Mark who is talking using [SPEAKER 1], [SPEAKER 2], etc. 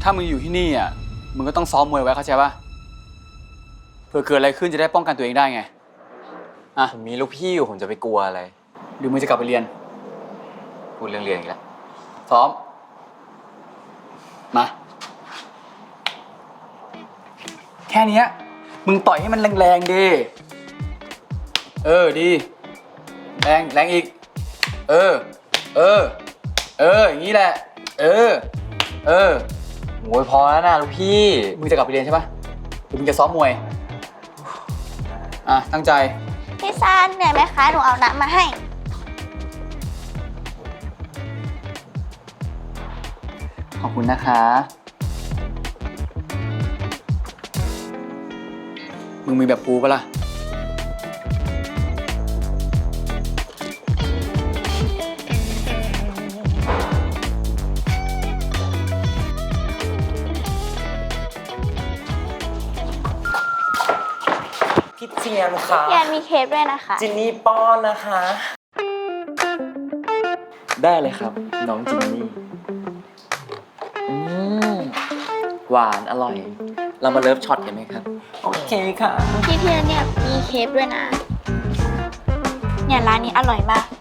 [SPEAKER 1] ถ้ามึงอยู่ที่นี่อ่ะมึงก็ต้องซ้อมมวยไว้เข้าใจป่ะเผื่อเกิดอะไรขึ้นจะได้ป้องกันตัวเองได้ไงอ่ะ
[SPEAKER 2] ผมมีลูกพี่อยู่ผมจะไปกลัวอะไร
[SPEAKER 1] หรือมึงจะกลับไปเรียน
[SPEAKER 2] พูดเรื่องเรียนอีกแล้ว
[SPEAKER 1] ซ้อมมาแค่เนี้ยมึงต่อยให้มันแรงๆดิดีแรงอีกอย่างนี้แหละโ
[SPEAKER 2] โอ้ยพอแล้วนะลูกพี่
[SPEAKER 1] มึงจะกลับไปเรียนใช่ปะหรือมึงจะซ้อมมวยอ่ะตั้งใจ
[SPEAKER 3] พี่ซานเหนื่อยไหมคะหนูเอาน้ำมาให้
[SPEAKER 1] ขอบคุณนะคะมึงมีแบบกูปะล่ะ
[SPEAKER 2] พี่เจียนค่ะ
[SPEAKER 3] พี่แอนมีเคปด้วยนะคะ
[SPEAKER 2] จินนี่ป้อนนะคะ ได้เลยครับ น้องจินนี่หวานอร่อย เรามาเลิฟช็อตกันไหมครับ โอเคค่ะ
[SPEAKER 3] พี่เพียนเนี่ยมีเคปด้วยนะ เนี่ยร้านนี้อร่อยมาก